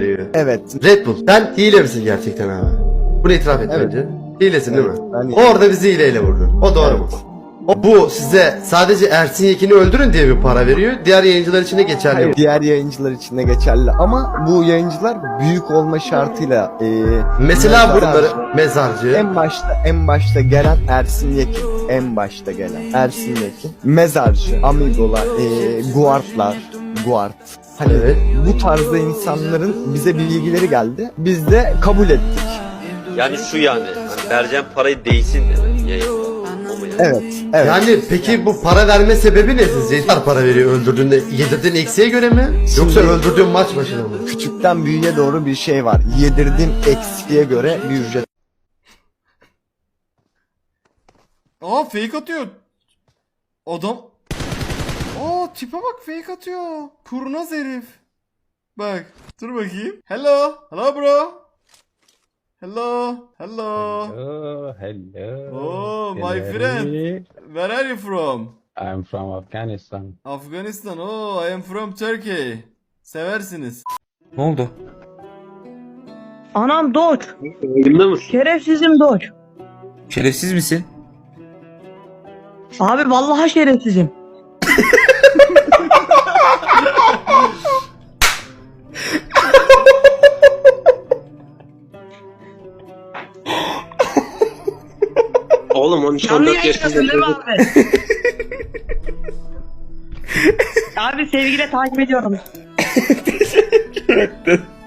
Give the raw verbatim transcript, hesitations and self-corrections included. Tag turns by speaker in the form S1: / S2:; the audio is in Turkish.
S1: veriyor.
S2: Evet.
S1: Red Bull, sen hile misin gerçekten abi? Bunu itiraf et
S2: Evet.
S1: bence. Hilesin
S2: Evet,
S1: değil mi?
S2: ben hileyim.
S1: Orada bizi hileyle vurdun. O doğru mu? O, bu size sadece Ersin Yekin'i öldürün diye bir para veriyor. Diğer yayıncılar için de geçerli
S2: Hayır,
S1: mi?
S2: diğer yayıncılar için de geçerli ama bu yayıncılar büyük olma şartıyla e,
S1: Mesela
S2: mezarcı-
S1: bunları mezarcı.
S2: en başta en başta gelen Ersin Yekin, en başta gelen Ersin Yekin, mezarcı, amigolar, e, guardlar, guard. Hani
S1: Evet.
S2: bu tarzda insanların bize bilgileri geldi. Biz de kabul ettik.
S3: Yani şu yani. Hani vereceğim parayı değsin demek yayında. O mu yani?
S2: Evet, evet.
S1: Yani peki bu para verme sebebi ne sizce? Ne kadar para veriyor öldürdüğünde? Yedirdiğin eksiğe göre mi? Yoksa
S2: Şimdi-
S1: öldürdüğün maç başına mı?
S2: Küçükten büyüğe doğru bir şey var. Yedirdiğim eksikliğe göre bir ücret.
S4: Aa fake atıyor. Adam. Aa tipe bak fake atıyor. Kurnaz herif. Bak dur bakayım. Hello. Hello bro. Hello. Hello.
S5: Hello, hello.
S4: Oh, my
S5: Hello.
S4: friend. Where are you from?
S5: I'm from Afghanistan.
S4: Afganistan. Oh, I am from Turkey. Seversiniz.
S6: Ne oldu?
S7: Anam Doç.
S3: Yayında mısın?
S7: Şerefsizim Doç.
S6: Şerefsiz misin?
S7: Abi vallahi şerefsizim.
S3: Oğlum on üç on
S7: Canlı
S3: dört
S7: yayındasın değil mi
S3: yaşında.
S7: abi? Abi sevgiyle takip ediyorum.